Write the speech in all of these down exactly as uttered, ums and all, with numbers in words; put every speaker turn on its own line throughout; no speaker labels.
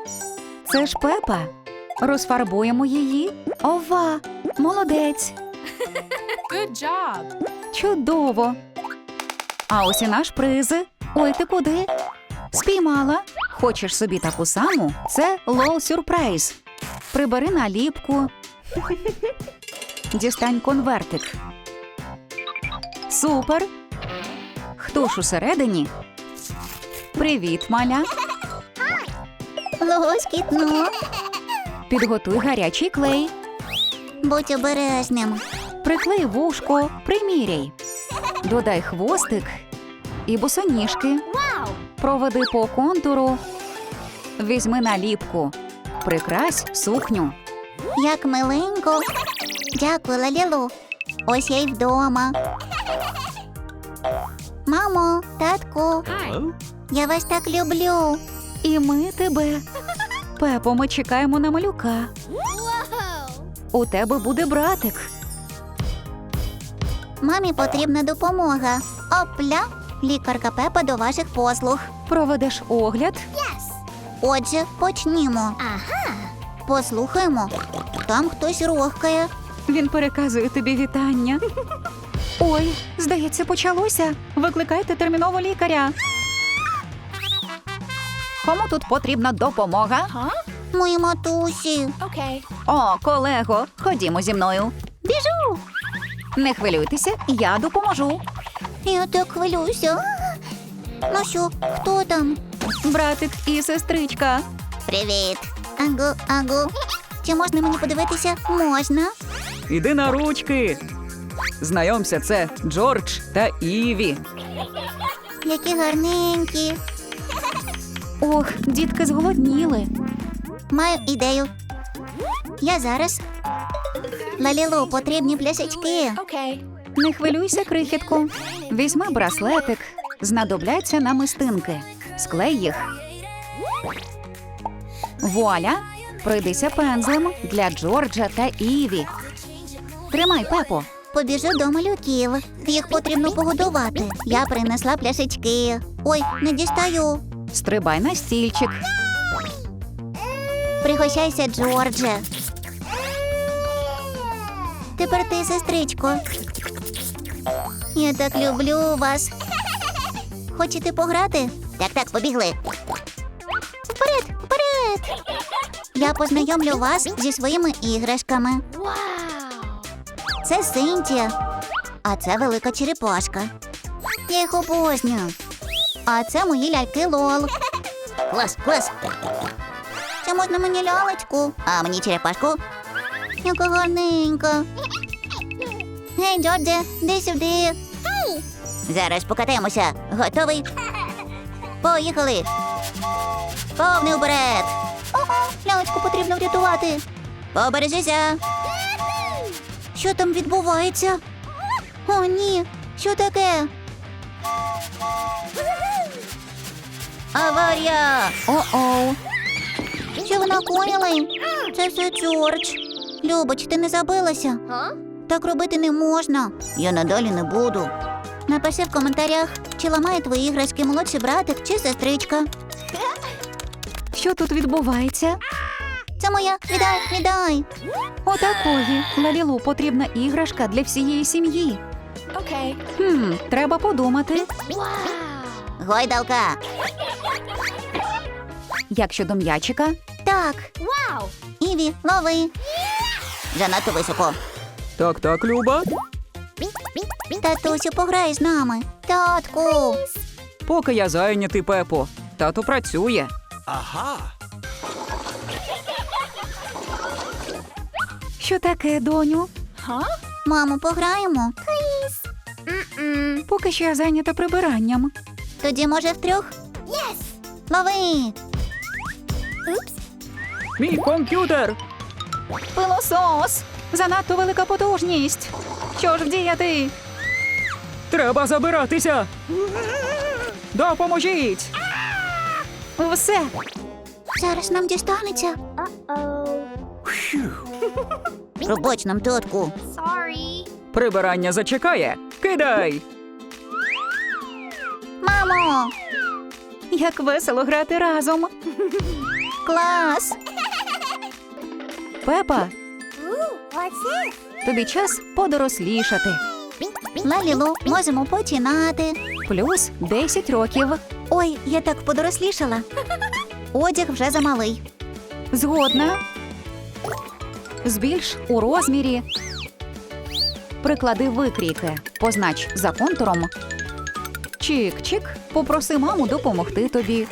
Це ж Пепа. Розфарбуємо її. Ова! Молодець!
Good job.
Чудово! А ось і наш приз. Ой, ти куди? Спіймала. Хочеш собі таку саму? Це лол сюрприз. Прибери наліпку. Дістань конвертик. Супер! Хто ж усередині? Привіт, маля.
Лоскітно.
Підготуй гарячий клей.
Будь обережним.
Приклей вушко, приміряй. Додай хвостик і босоніжки. Проведи по контуру. Візьми наліпку. Прикрась сукню.
Як миленько. Дякую, Лалілу. Ось я й вдома. Мамо, татку,
Hi.
я вас так люблю.
І ми тебе. Пепо, ми чекаємо на малюка. У тебе буде братик.
Мамі потрібна допомога. Опля, лікарка Пепа до ваших послуг.
Проведеш огляд.
Отже, почнімо. Послухаємо. Там хтось рохкає.
Він переказує тобі вітання. Ой, здається, почалося. Викликайте терміново лікаря. Кому тут потрібна допомога?
Мої матусі.
Okay.
О, колего, ходімо зі мною.
Біжу.
Не хвилюйтеся, я допоможу.
Я так хвилююся. Ну що, хто там?
Братик і сестричка.
Привіт. Агу, агу. Чи можна мені подивитися? Можна.
Іди на ручки. Знайомся, це Джордж та Іві.
Які гарненькі.
Ох, дітки зголодніли.
Маю ідею. Я зараз. Лалілу, потрібні пляшечки.
Okay.
Не хвилюйся, крихітку. Візьми браслетик. Знадобляться намистинки. Склей їх. Вуаля! Пройдися пензлем для Джорджа та Іві. Тримай, Пепо.
Побіжу до малюків. Їх потрібно погодувати. Я принесла пляшечки. Ой, не дістаю.
Стрибай на стільчик.
Пригощайся, Джордже. Тепер ти, сестричко. Я так люблю вас. Хочете пограти? Так-так, побігли. Вперед, вперед! Я познайомлю вас зі своїми іграшками.
Wow.
Це Синтія, а це велика черепашка. Я їх обожнюю. А це мої ляльки Лол. Клас, клас. Це можна мені лялечку, а мені черепашку. Яка гарненька. Гей, Джордже, де сюди. Зараз покатаємося. Готовий? Поїхали. Повний вперед. Ого, лялечку потрібно врятувати. Побережися. Що там відбувається? О, ні. Що таке? Аварія!
О-оу.
Що ви накоїли? Це все Джордж. Любоч, ти не забилася? Так робити не можна. Я надалі не буду. Напиши в коментарях, чи ламає твої іграшки молодший братик чи сестричка.
Що тут відбувається?
Це моя. Віддай, віддай.
Отакої. Лалілу потрібна іграшка для всієї сім'ї.
Okay.
Хм, треба подумати.
Wow.
Гойдалка.
Як щодо м'ячика?
Так.
Wow.
Іві, лови. Занадто високо.
Так-так, Люба.
Татусю, пограй з нами. Татку.
Поки я зайнятий, Пепо. Тато працює.
Ага.
Що таке, доню?
Huh?
Мамо, пограємо?
Mm-mm.
Поки що я зайнята прибиранням.
Тоді, може, втрьох? Єс! Лови!
Мій комп'ютер! Пилосос! Занадто велика потужність! Що ж вдіяти? Треба забиратися! Допоможіть! Все!
Зараз нам дістанеться. Пробач нам, татку.
Sorry.
Прибирання зачекає! Кидай!
Мамо!
Як весело грати разом!
Клас!
Пепа, тобі час подорослішати.
Лалілу, можемо починати.
Плюс десять років.
Ой, я так подорослішала. Одяг вже замалий.
Згодна. Збільш у розмірі. Приклади викрійки. Познач за контуром. Чик-чик. Попроси маму допомогти тобі.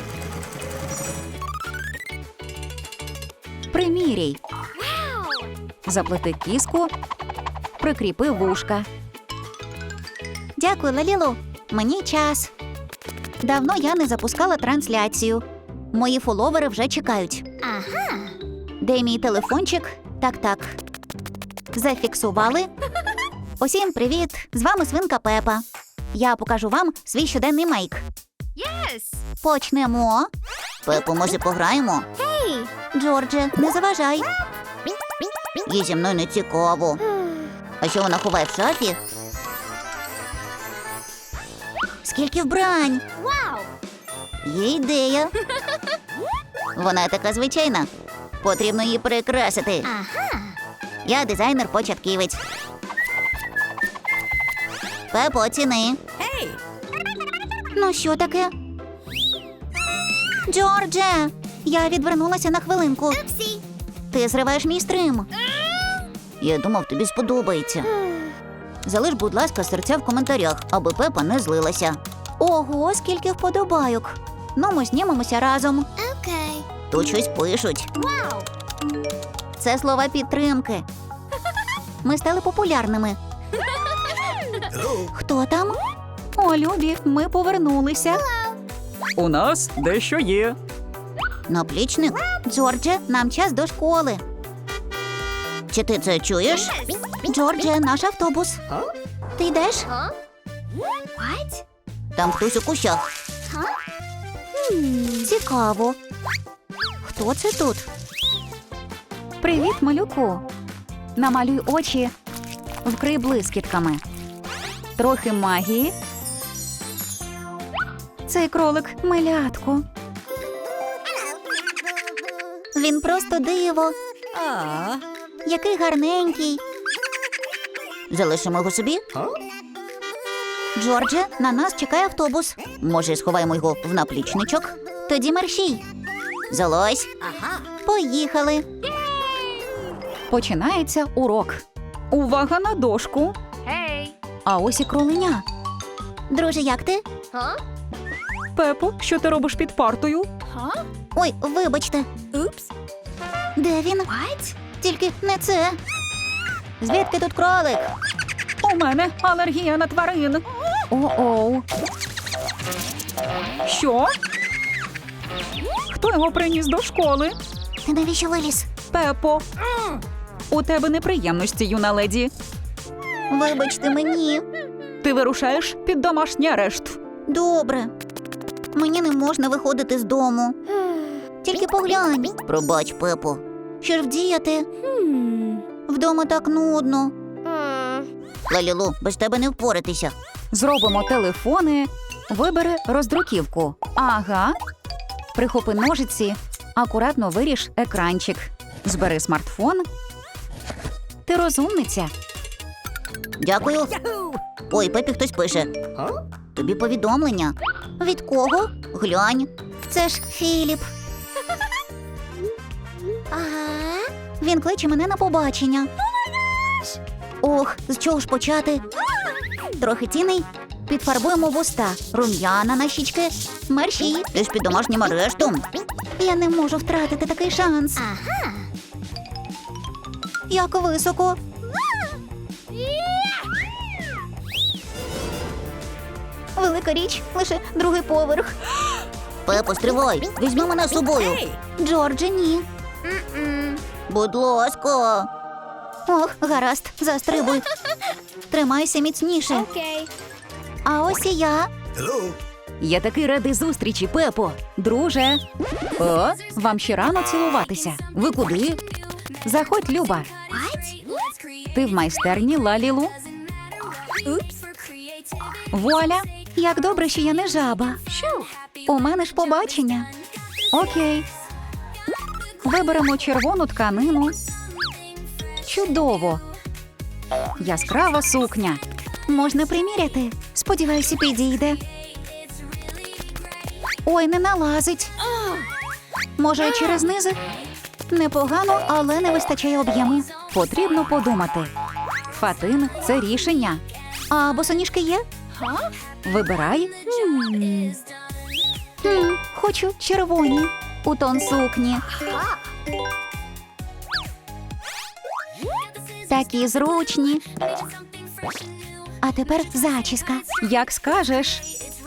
Приміряй. Заплети кіску. Прикріпи вушка.
Дякую, Лалілу. Мені час. Давно я не запускала трансляцію. Мої фоловери вже чекають. Ага. Де мій телефончик? Так-так. Зафіксували. Усім привіт! З вами свинка Пепа. Я покажу вам свій щоденний мейк.
Yes.
Почнемо. Пепо, може пограємо?
Hey.
Джордже, не заважай. Їй зі мною не цікаво. А що вона ховає в шафі? Скільки вбрань!
Wow.
Є ідея. Вона така звичайна. Потрібно її прикрасити.
Ага.
Я дизайнер-початківець. Пепо, оціни.
Hey.
Ну що таке? Джордже! Я відвернулася на хвилинку.
Oopsie.
Ти зриваєш мій стрим. Я думав, тобі сподобається. Залиш, будь ласка, серця в коментарях, аби Пепа не злилася. Ого, скільки вподобайок. Ну, ми знімемося разом.
Okay.
Тут щось пишуть.
Wow.
Це слова підтримки. Ми стали популярними. Хто там?
О, любі, ми повернулися. У нас дещо є.
Наплічник? Джордже, нам час до школи. Чи ти це чуєш? Джордже, наш автобус. Ти йдеш?
Huh? What?
Там хтось у кущах. Цікаво. Хто це тут?
Привіт, малюку. Намалюй очі. Вкрий блискітками. Трохи магії. Цей кролик милятко.
Він просто диво. Який гарненький. Залишимо його собі? Джордже, на нас чекає автобус. Може, сховаємо його в наплічничок? Тоді мерщій. Залазь.
Ага.
Поїхали.
Починається урок. Увага на дошку.
Hey.
А ось і кроленя.
Друже, як ти?
Huh?
Пепо, що ти робиш під партою?
Huh?
Ой, вибачте.
Oops.
Де він?
What?
Тільки не це. Звідки тут кролик?
У мене алергія на тварин. О-оу. Що? Хто його приніс до школи?
Ти навіщо виліз?
Пепо. У тебе неприємності, юна леді.
Вибачте мені.
Ти вирушаєш під домашній арешт.
Добре. Мені не можна виходити з дому. Тільки поглянь. Пробач, Пепо. Що ж вдіяти?
Hmm.
Вдома так нудно.
Hmm.
Лалілу, без тебе не впоратися.
Зробимо телефони. Вибери роздруківку. Ага. Прихопи ножиці. Акуратно виріж екранчик. Збери смартфон. Ти розумниця.
Дякую. Ой, Пепі хтось пише. Тобі повідомлення. Від кого? Глянь. Це ж Філіп.
Ага.
Він кличе мене на побачення. Ох, з чого ж почати? Трохи тіней. Підфарбуємо вуста. Рум'яна на щічки. Мерщій. Ти ж під домашнім арештом. Я не можу втратити такий шанс.
Ага.
Як високо. Велика річ, лише другий поверх. Пепо, стривай, візьми мене з собою. Джордже, ні.
Mm-mm.
Будь ласка. Ох, гаразд, застрибуй. Тримайся міцніше.
Okay.
А ось і я.
Я такий радий зустрічі, Пепо. Друже. О, вам ще рано цілуватися. Ви куди? Заходь, Люба. Ти в майстерні Лалілу.
Oops.
Вуаля. Як добре, що я не жаба.
Shoo.
У мене ж побачення. Окей. Виберемо червону тканину. Чудово! Яскрава сукня.
Можна приміряти. Сподіваюся, підійде. Ой, не налазить. Може, через низи? Непогано, але не вистачає об'єму.
Потрібно подумати. Фатин – це рішення.
А босоніжки є?
Вибирай.
Хм, хочу червоні. У тон сукні. Такі зручні. А тепер зачіска.
Як скажеш.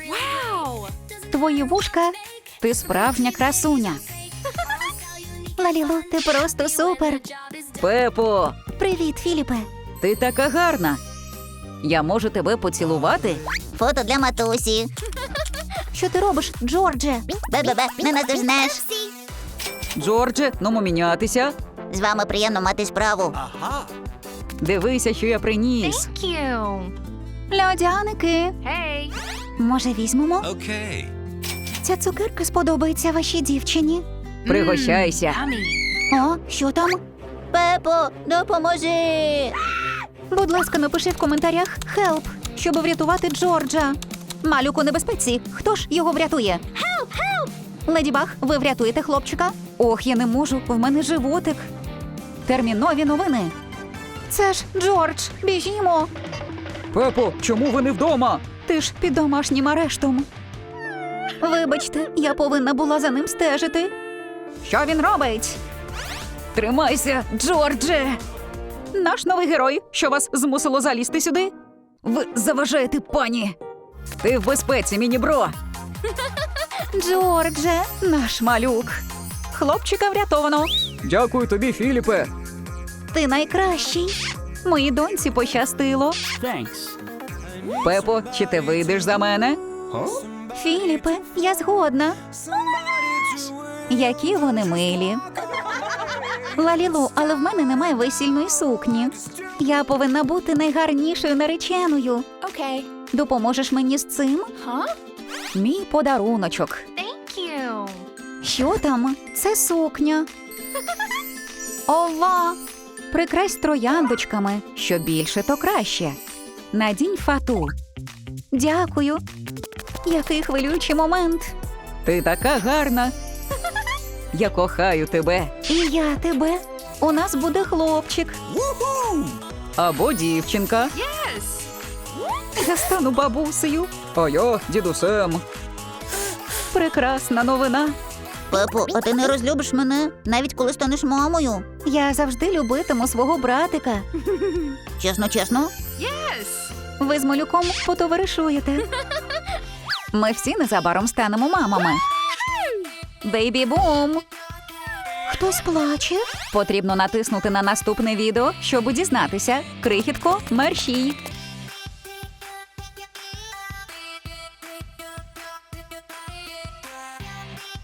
Твої вушка – ти справжня красуня.
Лалілу, ти просто супер.
Пепо,
Привіт, Філіпе.
ти така гарна. Я можу тебе поцілувати?
Фото для матусі. Що ти робиш, Джордже? Бе-бе-бе, не наздожнеш.
Джордже, ну мінятися.
З вами приємно мати справу.
Дивися, що я приніс.
Cute.
Льодяники.
Hey.
Може, візьмемо?
Okay.
Ця цукерка сподобається вашій дівчині.
Пригощайся.
Yummy.
О, що там? Пепо, допоможи! Будь ласка, напиши в коментарях «Хелп», щоб врятувати Джорджа. Малюк у небезпеці. Хто ж його врятує? Хелп, хелп! Леді Баг, ви врятуєте хлопчика?
Ох, я не можу, в мене животик. Термінові новини.
Це ж Джордж, біжімо.
Пепо, чому ви не вдома? Ти ж під домашнім арештом.
Вибачте, я повинна була за ним стежити.
Що він робить? Тримайся, Джордже! Наш новий герой, що вас змусило залізти сюди? Ви заважаєте пані. Ти в безпеці, міні-бро.
Джордже,
Наш малюк. Хлопчика врятовано. Дякую тобі, Філіпе.
ти найкращий.
Моїй доньці пощастило. Пепо, чи ти вийдеш за мене?
Філіпе, я згодна.
Які вони милі.
Лалілу, але в мене немає весільної сукні. Я повинна бути найгарнішою нареченою.
Okay.
Допоможеш мені з цим?
Huh?
Мій подаруночок.
Thank you.
Що там? Це сукня.
Ова! Прикрась трояндочками. Що більше, то краще. Надінь фату.
Дякую. Який хвилюючий момент.
Ти така гарна. Я кохаю тебе.
І я тебе. У нас буде хлопчик.
Або дівчинка.
Yes.
Я стану бабусею. А я дідусем. Прекрасна новина.
Пепо, а ти не розлюбиш мене, навіть коли станеш мамою? Я завжди любитиму свого братика. Чесно, чесно?
Yes.
Ви з малюком потоваришуєте.
Ми всі незабаром станемо мамами. Бейбі-бум!
Хтось плаче?
Потрібно натиснути на наступне відео, щоб дізнатися. Крихітко, мерщій!